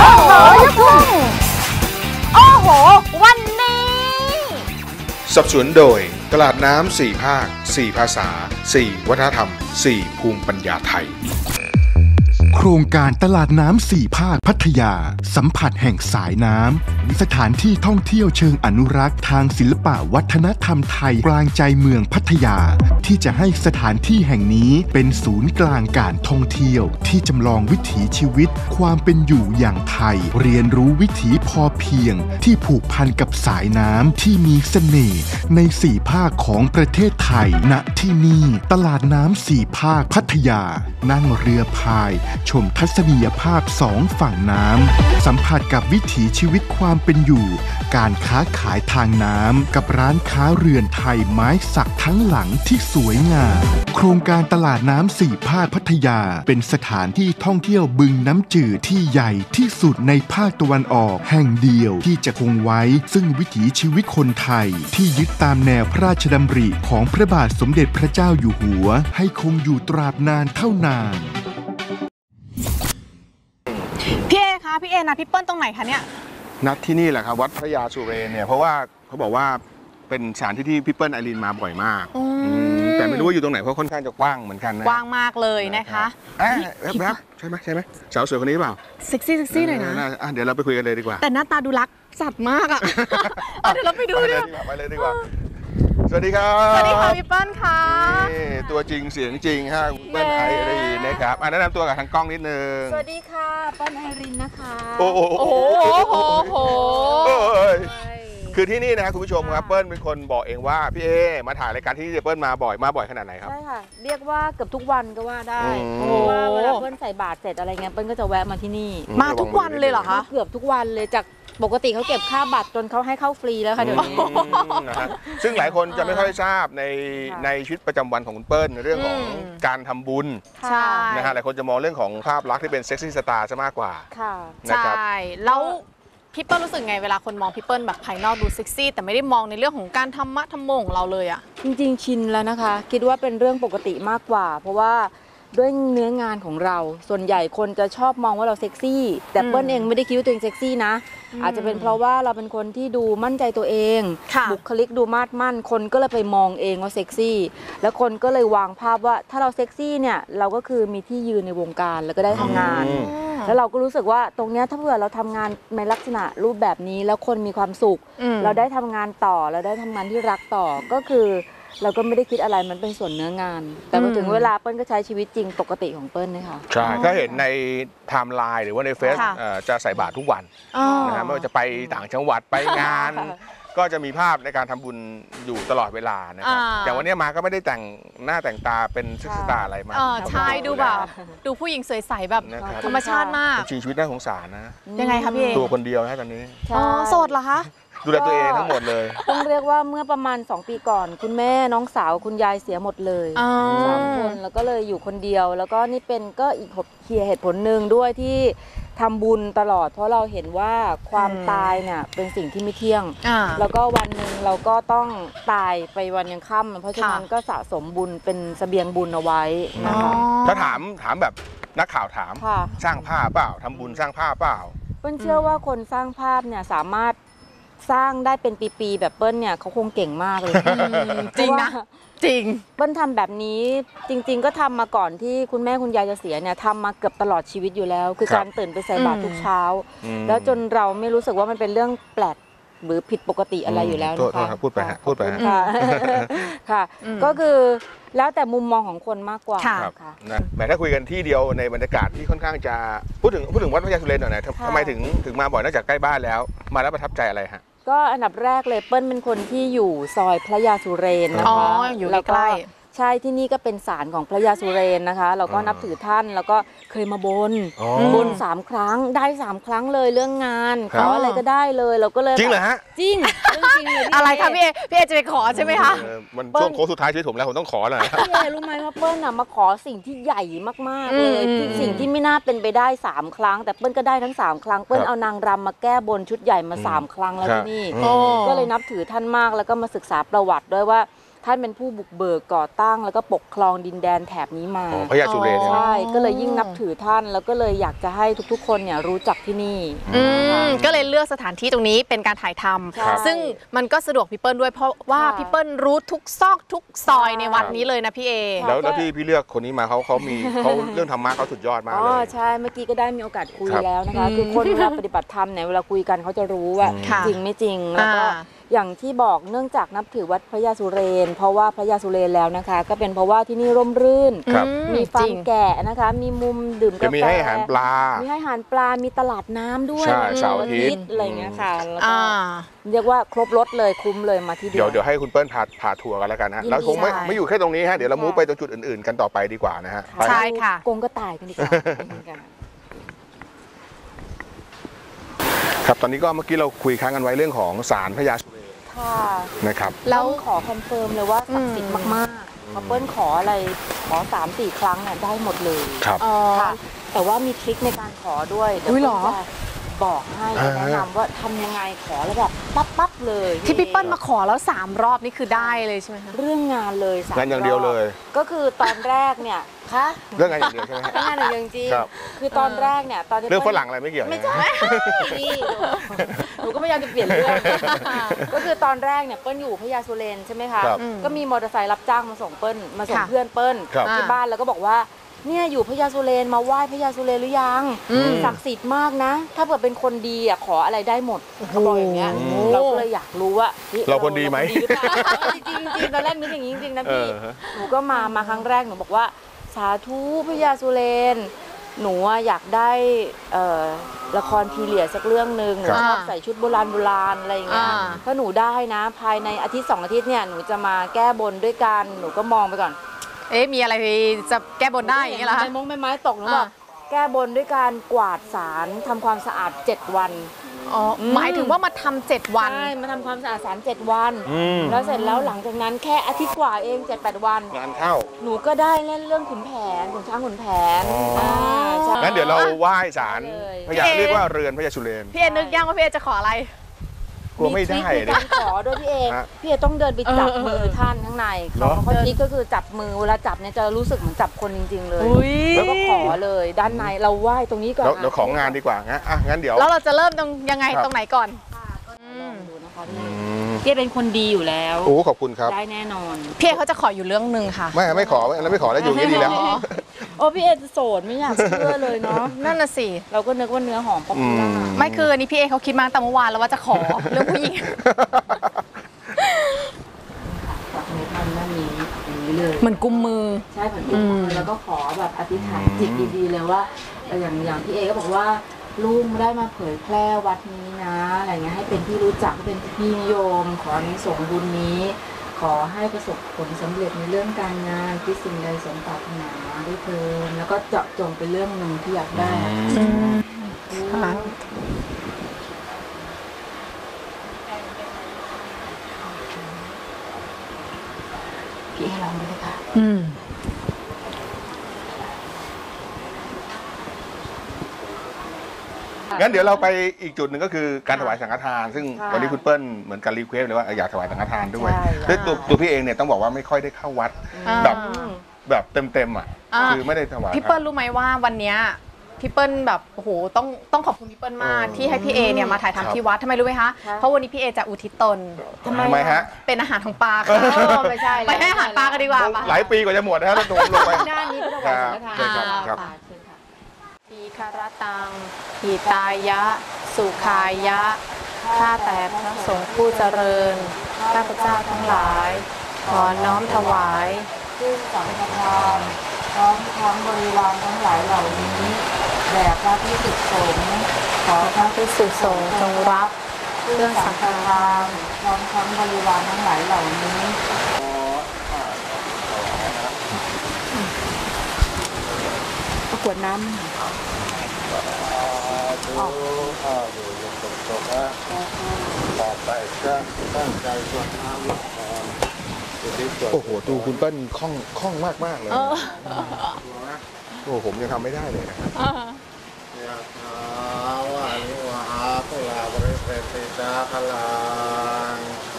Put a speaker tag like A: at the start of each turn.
A: อ้โหลูกทุ่งโอ้โหวันนี้
B: สนับสนุนโดยตลาดน้ำ4 ภาค 4 ภาษา 4 วัฒนธรรม 4 ภูมิปัญญาไทย
C: โครงการตลาดน้ำ4 ภาคพัทยาสัมผัสแห่งสายน้ำสถานที่ท่องเที่ยวเชิงอนุรักษ์ทางศิลปะวัฒนธรรมไทยกลางใจเมืองพัทยาที่จะให้สถานที่แห่งนี้เป็นศูนย์กลางการท่องเที่ยวที่จำลองวิถีชีวิตความเป็นอยู่อย่างไทยเรียนรู้วิถีพอเพียงที่ผูกพันกับสายน้ำที่มีเสน่ห์ใน4 ภาคของประเทศไทยณที่นี่ตลาดน้ำ4 ภาคพัทยานั่งเรือพายชมทัศนียภาพ2 ฝั่งน้ำสัมผัสกับวิถีชีวิตความเป็นอยู่การค้าขายทางน้ำกับร้านค้าเรือนไทยไม้สักทั้งหลังที่สวยงามโครงการตลาดน้ำ4 ภาคพัทยาเป็นสถานที่ท่องเที่ยวบึงน้ำจืดที่ใหญ่ที่สุดในภาคตะวันออกแห่งเดียวที่จะคงไว้ซึ่งวิถีชีวิตคนไทยที่ยึดตามแนวพระราชดำริของพระบาทสมเด็จพระเจ้าอยู่หัวให้คงอยู่ตราบนานเท่านาน
A: พี่เอคะพี่เอนะพี่เปิ้ลตรงไหนคะเนี่ย
B: นัดที่นี่แหละครับวัดพระยาสุเรนเนี่ยเพราะว่าเขาบอกว่าเป็นสถานที่ที่พี่เปิ้ลไอรีนมาบ่อยมากแต่ไม่รู้ว่าอยู่ตรงไหนเพราะค่อนข้างจะกว้างเหมือนกันนะ
A: กว้างมากเลยนะคะ
B: แว๊บใช่ไหมสาวสวยคนนี้เปล่า
A: เซ็กซี่หน่อยนะ
B: เดี๋ยวเราไปคุยกันเลยดีกว่า
A: แต่หน้าตาดูรักสัตว์มากอ่ะเดี๋ยวเราไปดูเลย
B: ไปเลยดีกว่าสวัสดีครับ
A: สวัสดีค่ะพี่เปิ้ลค่ะ
B: ตัวจริงเสียงจริงฮะเปิ้ลไอรีนนะครับแนะนำตัวกับทางกล้องนิดนึง
D: สวัสดีค่ะเปิ้ลไอรีนนะคะ
B: โอ้โหคือที่นี่นะครับคุณผู้ชมครับเปิ้ลเป็นคนบอกเองว่าพี่เอมาถ่ายรายการที่นี่เปิ้ลมาบ่อยขนาดไหนครับ
D: ใช่ค่ะเรียกว่าเกือบทุกวันก็ว่าได้เพราะว่าเวลาเปิ้ลใส่บาตรเสร็จอะไรเงี้ยเปิ้ลก็จะแวะมาที่นี่
A: มาทุกวันเลยเหรอคะ
D: เกือบทุกวันเลยจากปกติเขาเก็บค่าบัตรจนเขาให้เข้าฟรีแล้วค่ะเดี๋ยวนี้
B: ซึ่งหลายคนจะไม่ค่อยทราบในชีวิตประจำวันของคุณเปิ้ลในเรื่องของการทำบุญนะฮะหลายคนจะมองเรื่องของภาพลักษณ์ที่เป็นเซ็กซี่สตาร์ซะมากกว่า
A: ใช่แล้วพี่เปิ้ลรู้สึกไงเวลาคนมองพี่เปิ้ลแบบภายนอกดูเซ็กซี่แต่ไม่ได้มองในเรื่องของการธรรมะธรรมโมของเราเลยอะ
D: จริงๆชินแล้วนะคะคิดว่าเป็นเรื่องปกติมากกว่าเพราะว่าด้วยเนื้องานของเราส่วนใหญ่คนจะชอบมองว่าเราเซ็กซี่แต่เปิ้ลเองไม่ได้คิดว่าตัวเองเซ็กซี่นะอาจจะเป็นเพราะว่าเราเป็นคนที่ดูมั่นใจตัวเองบุคลิกดูมาดมั่นคนก็เลยไปมองเองว่าเซ็กซี่แล้วคนก็เลยวางภาพว่าถ้าเราเซ็กซี่เนี่ยเราก็คือมีที่ยืนในวงการแล้วก็ได้ทำงานแล้วเราก็รู้สึกว่าตรงนี้ถ้าเผื่อเราทำงานในลักษณะรูปแบบนี้แล้วคนมีความสุขเราได้ทำงานต่อเราได้ทำงานที่รักต่อก็คือเราก็ไม่ได้คิดอะไรมันเป็นส่วนเนื้องานแต่พอถึงเวลาเปิ้ลก็ใช้ชีวิตจริงปกติของเปิ้ลนะคะ
B: ใช่ถ้าเห็นในไทม์ไลน์หรือว่าในเฟซจะใส่บาตรทุกวันนะฮะไม่ว่าจะไปต่างจังหวัดไปงานก็จะมีภาพในการทำบุญอยู่ตลอดเวลานะครับอย่างวันนี้มาก็ไม่ได้แต่งหน้าแต่งตาเป็นเซ็กซี่สตาร์อะไรมา
A: ใช่ดูแบบดูผู้หญิงสวยใสแบบธรรมชาติมาก
B: ชีวิตน่าสงสารนะ
A: ยังไงคะพี่เอ
B: ตัวคนเดียวนะตอนนี้
A: โสดเหรอคะ
B: ดูแลตัวเองทั้งหมดเลย
D: ต้องเรียกว่าเมื่อประมาณ2 ปีก่อนคุณแม่น้องสาวคุณยายเสียหมดเลย3 คนแล้วก็เลยอยู่คนเดียวแล้วก็นี่เป็นก็อีกเหตุผลหนึ่งด้วยที่ทำบุญตลอดเพราะเราเห็นว่าความตายเนี่ยเป็นสิ่งที่ไม่เที่ยงแล้วก็วันหนึ่งเราก็ต้องตายไปวันยังค่ำเพราะฉะนั้นก็สะสมบุญเป็นเสบียงบุญเอาไว้นะคะ
B: ถ้าถามแบบนักข่าวถามสร้างภาพเปล่าทำบุญสร้างภาพเปล่า
D: เปิ้ลเชื่อว่าคนสร้างภาพเนี่ยสามารถสร้างได้เป็นปีๆแบบเปิ้ลเนี่ยเขาคงเก่งมากเลย
A: จริงนะจริง
D: เปิ้ลทำแบบนี้จริงๆก็ทำมาก่อนที่คุณแม่คุณยายจะเสียเนี่ยทำมาเกือบตลอดชีวิตอยู่แล้วคือการตื่นไปใส่บาตรทุกเช้าแล้วจนเราไม่รู้สึกว่ามันเป็นเรื่องแปลกหรือผิดปกติอะไรอยู่แล้ว
B: นะคะพูดไป
D: ค่ะก็คือแล้วแต่มุมมองของคนมากกว่า
B: ค่ะแต่ถ้าคุยกันที่เดียวในบรรยากาศที่ค่อนข้างจะพูดถึงวัดพระยาสุเรนหน่อยทำไมถึงมาบ่อยนอกจากใกล้บ้านแล้วมาแล้วประทับใจอะไรฮะ
D: ก็อันดับแรกเลยเปิ้ลเป็นคนที่อยู่ซอยพระยาสุเรนนะคะ
A: อยู่ใกล้
D: ใช่ที่นี่ก็เป็นศาลของพระยาสุเรนนะคะเราก็นับถือท่านแล้วก็เคยมาบน3 ครั้งได้3 ครั้งเลยเรื่องงานขออะไรก็ได้เลยเราก็เลย
B: จริงเหรอฮะ
D: จริงเรื่องจริงเลย
A: อะไรคะพี่เอจะไปขอใช่ไหมคะ
B: มันช่วงโค้งสุดท้ายชีวิตผมแล้วผมต้องขอแล้ว
D: พี่เอรู้ไหมว่าเปิ้ลมาขอสิ่งที่ใหญ่มากๆเลยสิ่งที่ไม่น่าเป็นไปได้3 ครั้งแต่เปิ้ลก็ได้ทั้ง3 ครั้งเปิ้ลเอานางรำมาแก้บนชุดใหญ่มา3 ครั้งแล้วที่นี่ก็เลยนับถือท่านมากแล้วก็มาศึกษาประวัติด้วยว่าท่านเป็นผู้บุกเบิกก่อตั้งแล้วก็ปกครองดินแดนแถบนี้มา
B: พระยาสุเรนเนี่ยนะ
D: ใช่ก็เลยยิ่งนับถือท่านแล้วก็เลยอยากจะให้ทุกๆคนเนี่ยรู้จักที่นี่
A: ก็เลยเลือกสถานที่ตรงนี้เป็นการถ่ายท
D: ใช่
A: ำซึ่งมันก็สะดวกพี่เปิ้ลด้วยเพราะว่า
D: ค่ะ
A: พี่เปิ้ลรู้ทุกซอกทุกซอยในวัดนี้เลยนะพี่เอ
B: แล้วที่พี่เลือกคนนี้มาเขามีเขาเรื่องธรรมะเขาสุดยอดมาก
D: อ๋
B: เล
D: อย ใช่เมื่อกี้ก็ได้มีโอกาสคุย
B: ครับ
D: แล้วนะคะคือคนเวลาปฏิบัติธรรมเนี่ยเวลาคุยกันเขาจะรู้ว่า
A: ค่ะ
D: จริงไม่จริงแล้วก็ อย่างที่บอกเนื่องจากนับถือวัดพระยาสุเรนเพราะว่าพระยาสุเรนแล้วนะคะ ก็เป็นเพราะว่าที่นี่ร่มรื่น
B: ครับ
D: มีฟา
A: จ
D: ร์
A: ริ
D: ม
A: ง
D: แกะนะคะ มีมุมดื่ม
B: จะ
D: กาแฟ
B: มีให้อาหารปลา
D: มีให้อาหารปลา มีตลาดน้ำด้วย
B: ใช่
D: วัน
B: เสาร์อาทิตย์
D: อะไรอย่างเงี้ยค่ะแล้วก็
A: อ่า
D: เรียกว่าครบรถเลยคุ้มเลยมาที่
B: เดี๋ยวให้คุณเปิ้ลพาทัวร์กันแล้วกันนะฮะ
D: ยินดี
B: แล้วคงไม่
D: ค่ะ
B: ไม่อยู่แค่ตรงนี้ฮะเดี๋ยวเรามูฟไปตรงจุดอื่นๆกันต่อไปดีกว่านะฮะไป
A: ใช่ ค่ะ
D: กงก็ตายกันดีกว่า
B: ครับตอนนี้ก็เมื่อกี้เราคุยค้างกันไว้เรื่องของศาลพระยาสุเรน
D: ค่ะ
B: นะครับ
D: แล้วขอคอนเฟิร์มเลยว่าศักดิ์สิทธิ์มากๆพอเปิ้ลขออะไรขอ 3-4 ครั้งเนี่ยได้หมดเลย
B: ครับ
A: อ๋อ
D: ค่ะแต่ว่ามีทริคในการขอด้วยเดี๋ยว
A: อุ๊ยเหรอ
D: เปิ้ลจะบอกให้แนะนำว่าทำยังไงขอแล้วแบบปั๊บเลย
A: ที่พี่เปิ้ลมาขอแล้ว3 รอบนี่คือได้เลยใช่ไหมคะ
D: เรื่องงานเลยสม
B: งานอย่างเดียวเลย
D: ก็คือตอนแรกเนี่ยคะ
B: เรื่องงานอย่างเดียวใช่ไหมฮะ
D: เรื่องงานอย่างเดียวจริง
B: ครับ
D: คือตอนแรกเนี่ยตอนที่
B: เรื่องฝ
D: ปิ้ล
B: รั่งอะไรไม่เกี่ยว
D: ไม่
B: นะ
D: ใช่
B: ฮะ
D: พี่หนูก็พยายามจะเปลี่ยนเรื่อง ก็คือตอนแรกเนี่ยเปิ้ลอยู่พญาสุเรนใช่ไหมคะ
B: ครับ
D: ก็มีมอเตอร์ไซค์รับจ้างมาส่งเปิ้ลมาส่ง
A: ค่ะ
D: เพื่อนเปิ้ล
B: ครับ
D: ที่บ้านแล้วก็บอกว่าเนี่ยอยู่พญาสุเรนมาไหว้พญาสุเรนหรือยังศักดิ์สิทธิ์มากนะ ถ้าเกิดเป็นคนดีอ่ะขออะไรได้หมดเขาบอกอย่างเงี้ย
B: โอ้
D: เราก็เลยอยากรู้ว่าฮ้ย
B: เราคนดีไหม
D: เราคนรือเปล่าจริงๆจริงๆตอนแรกนึกอย่างนี้จริงๆนะพี่
B: ฮะ
D: หนูก็มาครั้งแรกหนูบอกว่าสาธุพญาสุเรนหนูอะอยากได้ละครพีเรียดสักเรื่องหนึ่งหนู
B: ครับ
D: ชอบใส่ชุดโบราณอะไรอย่างเงี้ย
A: อ่า
D: ถ้าหนูได้นะ ภายในอาทิตย์2 อาทิตย์เนี่ยหนูจะมาแก้บนด้วยกันหนูก็มองไปก่อน
A: เอ๊ะมีอะไรจะแก้บนได้อย่างเงี้ยเหรอคะ
D: ใบไม้ตกหนูบอกแก้บนด้วยการกวาดศาลทำความสะอาด7 วัน
A: อ๋อหมายถึงว่ามาทำ7 วัน
D: ใช่มาทำความสะอาดศาล7 วัน
B: อืม
D: แล้วเสร็จแล้วหลังจากนั้นแค่อาทิตย์กว่าเอง 7-8 วัน
B: งานเข้า
D: หนูก็ได้เล่นเรื่องขุนแผนขุนช้างขุนแผน
B: อ๋ออ่
D: ใช่
B: งั้นเดี๋ยวเราไหว้ศาล
D: ได้เลย
B: พญาเรียกว่าเรือนพญาสุเรน
A: พี่เอนึกยังว่าพี่เอจะขออะไร
B: กลัวไม่ได้
D: ทริคใน
B: เนี่ย
D: การขอด้วยพี่เอ
B: ฮะ
D: พี่เอต้องเดินไปจับมือท่านข้างใน
B: เหรอ
D: เขาทริคก็คือจับมือเวลาจับเนี่ยจะรู้สึกเหมือนจับคนจริง ๆ เลย
A: อุ๊ย
D: แล้วก็ขอเลยด้านในเราไหว้ตรงนี้ก่อน
B: เดี๋ยวของงานดีกว่างั้นงั้นเดี๋ยว
A: แล้วเราจะเริ่มตรงยังไง
B: ครับ
A: ตรงไหนก่อน
D: ลองดูนะคะ
B: อื
D: พี่
B: ม
D: พี่เอเป็นคนดีอยู่แล้ว
B: โอ้ขอบคุณครับ
D: ได้แน่นอน
A: พี่เอเขาจะขออยู่เรื่องหนึ่งค่ะ
B: ไม่ขอแล้วไม่ขอแล้วอยู่อย่างนี้ดีแล้ว
D: โอ้พี่เอจะโสดไม่อยากเชื่อเลยเนาะ
A: นั่นน่ะสิ
D: เราก็นึกว่าเนื้อหอมป๊อปปูล่า
A: ไม่คืออันนี้พี่เอเขาคิดมาตั้งแต่เมื่อวานแล้วว่าจะขอ เรื่องผู้หญิง
D: จับมือท่านด้านนี้อย่างนี้เลย
A: เหมือนกุมมือ
D: ใช่เหมือนกุมมือแล้วก็ขอแบบอธิษฐานจิตดีๆเลยว่าอย่างพี่เอก็บอกว่าลูกได้มาเผยแพร่วัดนี้นะอะไรเงี้ยให้เป็นที่รู้จักให้เป็นที่นิยม ขออานิสงส์บุญนี้ ขอให้ประสบผลสำเร็จในเรื่องการงานที่สิ่งใดสมปรารถนาด้วยเทินแล้วก็เจาะจงเป็นเรื่องหนึ่งที่อยากได้
A: ค่ะ
D: พี่ให้ลองดูเลยค่ะ
A: อืม
B: งั้นเดี๋ยวเราไปอีกจุดหนึ่งก็คือการถวายสังฆทาน ซึ่ง
D: ค่ะ
B: วันนี้คุณเปิ้ลเหมือนกันรีเควสเลยว่าอยากถวายสังฆทานด้วย
D: ใช่
B: ด้วยตัวพี่เองเนี่ยต้องบอกว่าไม่ค่อยได้เข้าวัด
A: อ่า
B: แบบเต็มอ่ะ
A: อ่า
B: คือไม่ได้ถวาย
A: พี่เปิ้ลรู้ไหมว่าวันเนี้ยพี่เปิ้ลแบบโอ้โหต้องขอบคุณพี่เปิ้ลมาก
B: เออ
A: ที่ให้พี่เอเนี่ยมาถ่าย
B: ครับ
A: ทำที่วัดทำไมรู้ไหมคะ
D: ครับ
A: เพราะวันนี้พี่เอจะอุทิศตน
B: ทำไมฮะ
A: เป็นอาหารของปลาค่ะ
D: ไม่ใช่แล้ว
A: ไปให้อาหารปลากันดีกว่าปะ
B: หลายปีกว่าจะหมดนะฮะแล้วโดนลงไป
D: ด้านนี้ก็ถวายสังฆทาน
B: ครับ
D: ค่ะเชิญค่ะ
A: ทีคารตังหิตายะ สุขายะ ข้าแต่พระสงฆ์ผู้เจริญ ข้าพเจ้าทั้งหลาย ขอน้อมถวาย
D: ซึ่งสังฆทานพร้อมทั้งบริวารทั้งหลายเหล่านี้แด่พระพิสุสงฆ์ขอพระ
A: ภิกษุสงฆ์จงรับ
D: เครื่องสังฆทานพร้อมทั้งบริวารทั้งหลายเหล่านี้ประกวดน้ำ
B: โอ้โหดูคุณเปิ้ลคล่องมากเลยโอ้ผมยังทำไม่ได้เลยนะครับ
E: ยะถาวาลิวหาปุราบริเวณติตาคลัง